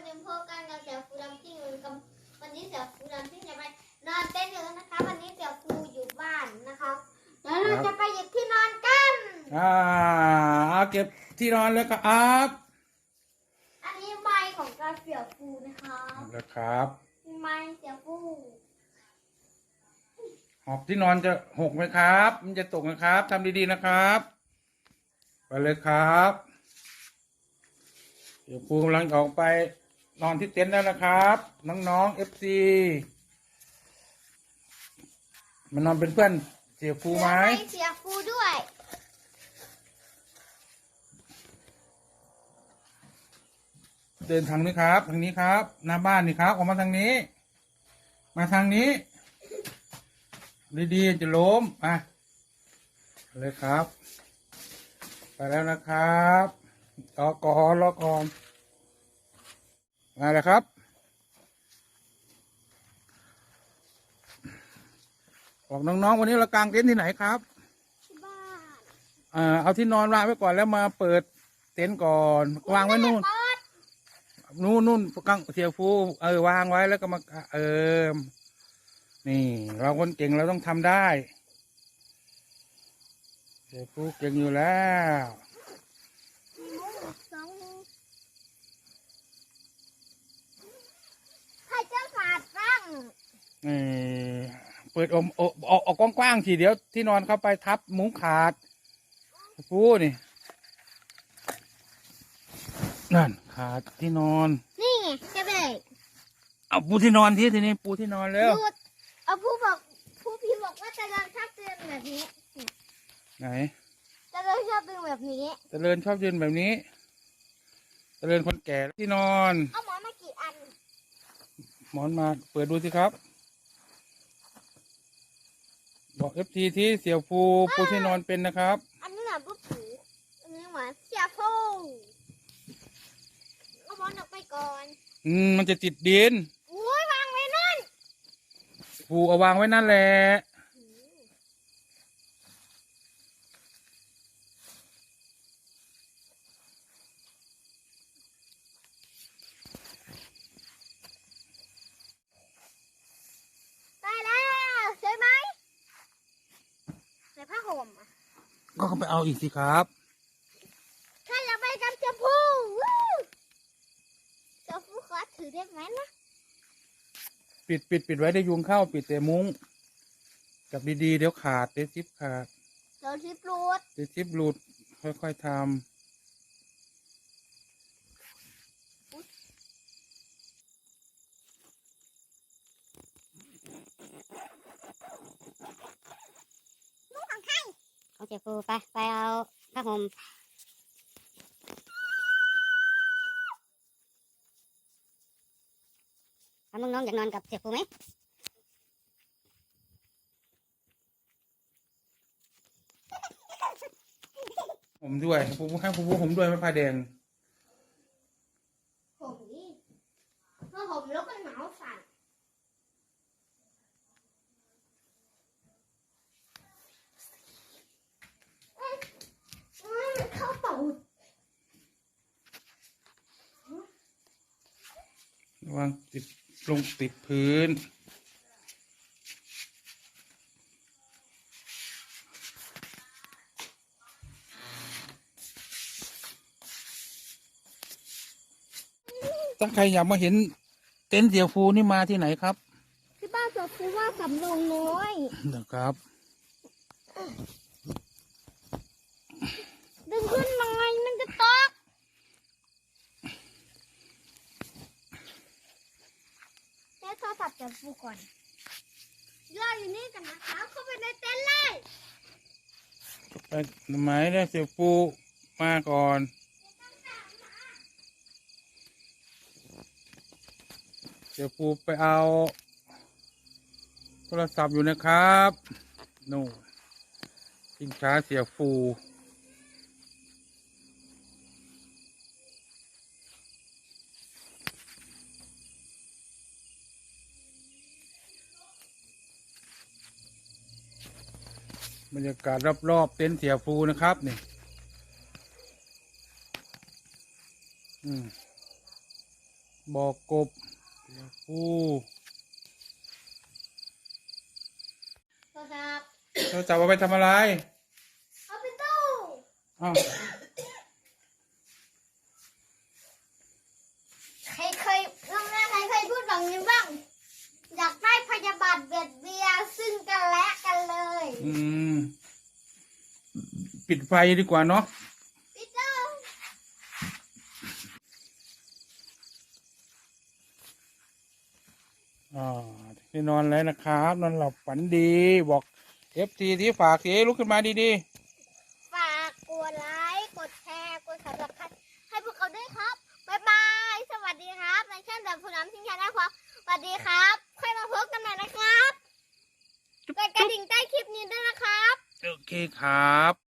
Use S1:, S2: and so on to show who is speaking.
S1: เป็นพวกกันกับเสี่ยวฟูดำซิ่งวันนี้เสี่ยวฟูดำซิ่งจะไปนอนเต้นอยู่นะคะวันนี้เสี่ยวฟูอยู่บ้านนะคะแล้วเราจะไปหยิบที่นอนกัน
S2: เอาเก็บที่นอนเลยครับ
S1: อันนี้ไม้ของกาเสี่ยวฟูนะคะ
S2: แล้วครับ
S1: ไม้เสี่ยวฟู
S2: หอบที่นอนจะหกไหมครับมันจะตกนะครับทำดีๆนะครับไปเลยครับเดี๋ยวครูกำลังออกไปนอนที่เต็นท์แล้วนะครับน้องๆFC มานอนเป็นเพื่อนเสียครูไหม
S1: เสียฟูด้วย
S2: เดินทางนี้ครับทางนี้ครับหน้าบ้านนี่ครับออกมาทางนี้มาทางนี้ดีๆจะล้มเลยครับไปแล้วนะครับรอก่อนมาเลยครับบอกน้องๆวันนี้เรากางเต็นท์ที่ไหนครับ
S1: ที่บ้าน
S2: เอาที่นอนวางไว้ก่อนแล้วมาเปิดเต็นท์ก่อนวางไว้นู่นกางเสียฟูวางไว้แล้วก็มานี่เราคนเก่งเราต้องทำได้เสียฟูเก่งอยู่แล้ว
S1: ใครจะขาดบ้าง
S2: เปิดออกกว้างๆทีเดียวที่นอนเข้าไปทับมุ้งขาดฟูนี่นั่นขาดที่นอน
S1: นี่ไงจะไป
S2: เอาปูที่นอนทีนี้ปูที่นอนแล้ว
S1: เอาผู้พี่บอกว่าจะเดินชอบเดินแบบนี้
S2: ไหน
S1: จะเดินชอบเดินแบบนี้
S2: จะเดินชอบยืนแบบนี้จะเดินคนแก่ที่นอน
S1: เอาหมอนมากี่อัน
S2: หมอนมาเปิดดูสิครับบอกFTที่เสี่ยวฟูปูที่นอนเป็นนะครับ
S1: อันนี้หมาปุ๊บผีอันนี้หมาเสี่ยวฟูเอาหมอนออกไปก่อน
S2: มันจะติดดิน
S1: อุ้ยวางไว้นั่น
S2: ฟูเอาวางไว้นั่นแหละ
S1: ได้แล้วใช่ไหมใส่ผ้าห่ม
S2: ก็ไปเอาอีกสิครับ
S1: ใครอยากไปกับเสี่ยวฟูเสี่ยวฟูขอถือได้ไหมนะ
S2: ปิดไว้ได้ยุงเข้าปิดแต่มุ้งจับดีๆเดี๋ยวขาดเดี๋ยวซิปขาด
S1: เดี๋ยวซิปหลุด
S2: ค่อยๆทำ
S1: มุ้งของใคร
S3: ของเจ้าฟูไปเอาผ้าห่มน้องอยากนอนกับเจ้าฟูไหม
S2: ผมด้วยให้ผมด้วยไม่พาแดง
S1: ผมนี่ถ้าผมแล้วก็หนาวสั่นเข้าตูด
S2: ระวังติดพื้นถ้าใครอยากมาเห็นเต็นท์เสี่ยวฟูนี่มาที่ไหนครับ
S1: ที่บ้านเสี่ยวฟูว่าสำโรงน้อย
S2: นะครับ
S1: ดึงขึ้นหน่อยมันจะตกใช้โทรศัพท์เสี่ยวฟูก่อนรออยู่นี่กันนะคะเข้าไปในเต็นท์เลย
S2: ไปไหมเนี่ยเสี่ยวฟูมาก่อนเสี่ยวฟูไปเอาโทรศัพท์อยู่นะครับนู่นชิงช้าเสี่ยวฟูบรรยากาศรอบๆเต็นท์เสี่ยวฟูนะครับนี่บ่อกบเสียฟู
S1: โทรศัพท์
S2: เราจะเอาไปทำอะไร
S1: เอาไปตู้
S2: อ้าว
S1: ใครเคยลองนะใครเคยพูดแบบนี้บ้าง อยากได้พยาบาทเบียดเบียนซึ่งกันและกันเลย
S2: ปิดไฟดีกว่าเนาะ
S1: พี่เจ้า
S2: ที่นอนแล้วนะครับ นอนหลับฝันดี บอกFTที่ฝากสิลุกขึ้นมาดี
S1: ฝากกดไลค์กดแชร์กดสับสไครต์ให้พวกเขาด้วยครับบ๊ายบายสวัสดีครับในช่องแบบผู้นำทิ้งแค่นะครับสวัสดีครับค่อยมาพบกันใหม่นะครับกดกระดิ่งใต้คลิปนี้ด้วยนะครับ
S2: ๆ โอเคครับ